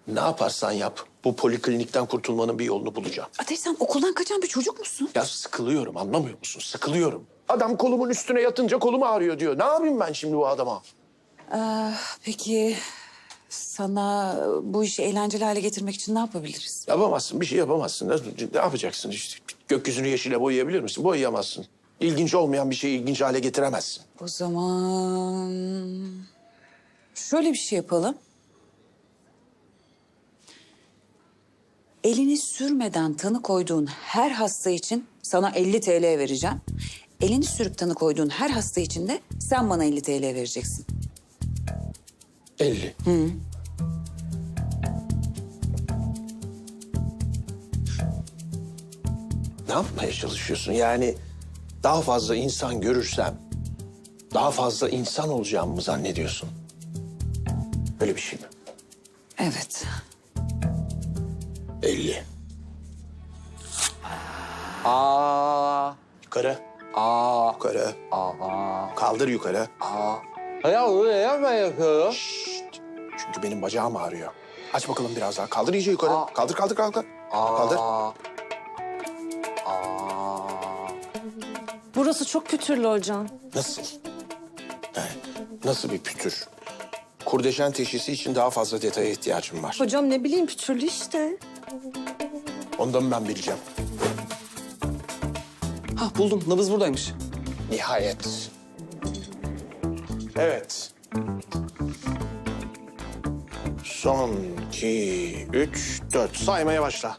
Ne yaparsan yap, bu poliklinikten kurtulmanın bir yolunu bulacağım. Ateş, sen okuldan kaçan bir çocuk musun? Ya sıkılıyorum, anlamıyor musun? Sıkılıyorum. Adam kolumun üstüne yatınca kolum ağrıyor diyor. Ne yapayım ben şimdi bu adama? Peki sana bu işi eğlenceli hale getirmek için ne yapabiliriz? Yapamazsın, bir şey yapamazsın. Ne yapacaksın işte? Gökyüzünü yeşile boyayabilir misin? Boyayamazsın. İlginç olmayan bir şeyi ilginç hale getiremezsin. O zaman şöyle bir şey yapalım. Elini sürmeden tanı koyduğun her hasta için sana 50 TL vereceğim. Elini sürüp tanı koyduğun her hasta için de sen bana 50 TL vereceksin. 50. Ne yapmaya çalışıyorsun? Yani daha fazla insan görürsem daha fazla insan olacağımı mı zannediyorsun? Öyle bir şey mi? Evet. 50. Yukarı. Yukarı. Kaldır yukarı. Ya öyle ben yapıyorum. Çünkü benim bacağım ağrıyor. Aç bakalım biraz daha. Kaldır iyice yukarı. Kaldır. Kaldır. Burası çok pütürlü hocam. Nasıl? Yani nasıl bir pütür? Kurdeşen teşhisi için daha fazla detaya ihtiyacım var. Hocam ne bileyim pütürlü işte. Ondan ben bileceğim. Hah buldum. Nabız buradaymış. Nihayet. Evet. Son 2, 3, 4. Saymaya başla.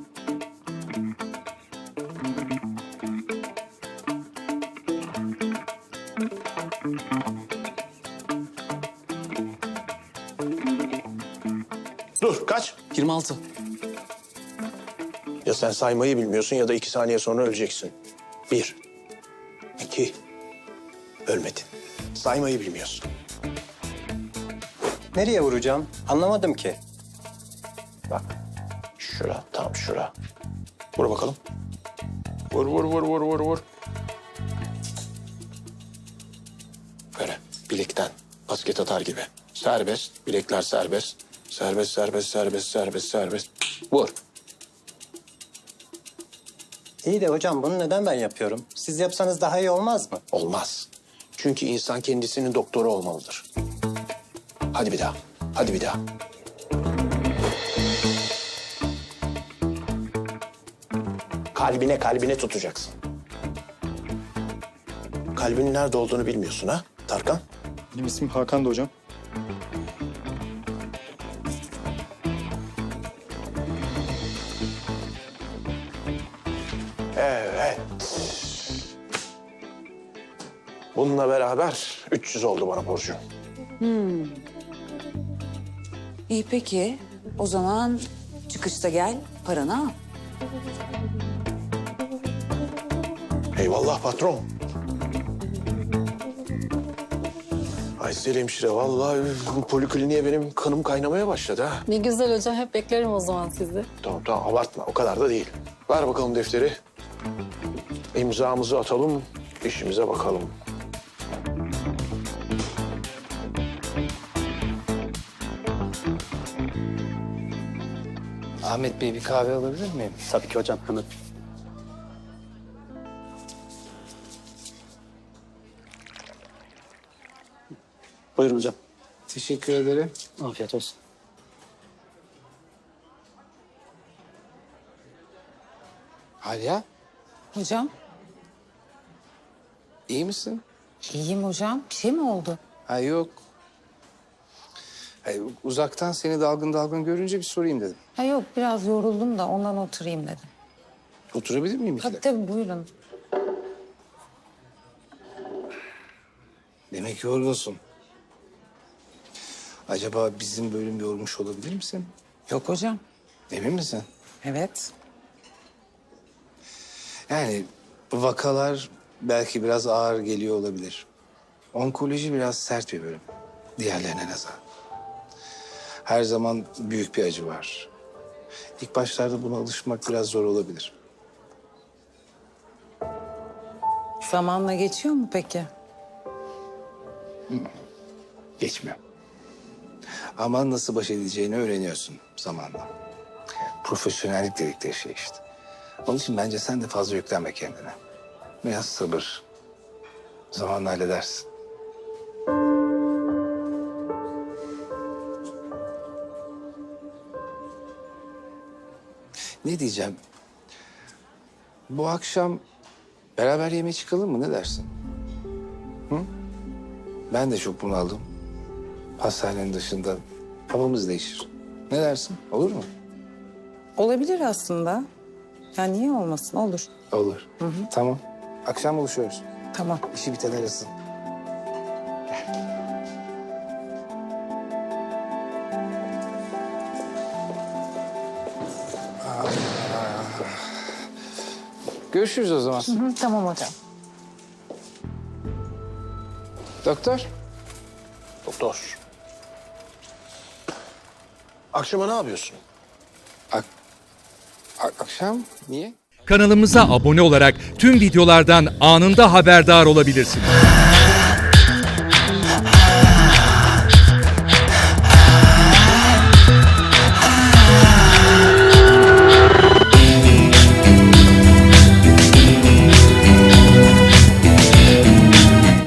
Dur, kaç? 26. Ya sen saymayı bilmiyorsun ya da 2 saniye sonra öleceksin. 1, 2, ölmedin. Saymayı bilmiyorsun. Nereye vuracağım? Anlamadım ki. Bak, şura, tam şura. Vur bakalım. Vur. Böyle bilekten basket atar gibi. Serbest, bilekler serbest. Serbest. Vur. İyi de hocam bunu neden ben yapıyorum? Siz yapsanız daha iyi olmaz mı? Olmaz. Çünkü insan kendisinin doktoru olmalıdır. Hadi bir daha. Kalbine tutacaksın. Kalbinin nerede olduğunu bilmiyorsun ha Tarkan? Benim ismim Hakan da hocam. Evet. Bununla beraber 300 oldu bana borcun. İyi peki. O zaman çıkışta gel, paranı al. Eyvallah patron. Aysel hemşire vallahi bu polikliniğe benim kanım kaynamaya başladı ha. Ne güzel hocam, hep beklerim o zaman sizi. Tamam abartma o kadar da değil. Ver bakalım defteri. İmzamızı atalım, işimize bakalım. Ahmet Bey bir kahve alabilir miyim? Tabii ki hocam, hemen. Buyurun hocam. Teşekkür ederim. Afiyet olsun. Aliye, Hocam, iyi misin? iyiyim hocam. Bir şey mi oldu? Ha yok. Hayır, uzaktan seni dalgın görünce bir sorayım dedim. Ha yok, biraz yoruldum da ondan oturayım dedim. Oturabilir miyim iki Tabii dakika? tabii, buyurun. Demek yorgunsun. Acaba bizim bölüm yormuş olabilir misin? Yok hocam. Emin misin? Evet. Yani bu vakalar belki biraz ağır geliyor olabilir. Onkoloji biraz sert bir bölüm. Diğerlerine nazaran. Her zaman büyük bir acı var. İlk başlarda buna alışmak biraz zor olabilir. Zamanla geçiyor mu peki? Geçmiyor. Ama nasıl baş edeceğini öğreniyorsun zamanla. Profesyonellik dedikleri şey işte. Onun için bence sen de fazla yüklenme kendine. Biraz sabır. Zamanla halledersin. Ne diyeceğim? Bu akşam beraber yemeğe çıkalım mı? Ne dersin? Hı? Ben de çok bunaldım. Hastanenin dışında havamız değişir. Ne dersin? Olur mu? Olabilir aslında. Ya niye olmasın? Olur. Olur. Tamam. Akşam buluşuyoruz. Tamam. İşi biten arasın. Görüşürüz o zaman. Tamam hocam. Doktor. Doktor. Akşama ne yapıyorsun? Akşam niye? Kanalımıza abone olarak tüm videolardan anında haberdar olabilirsiniz.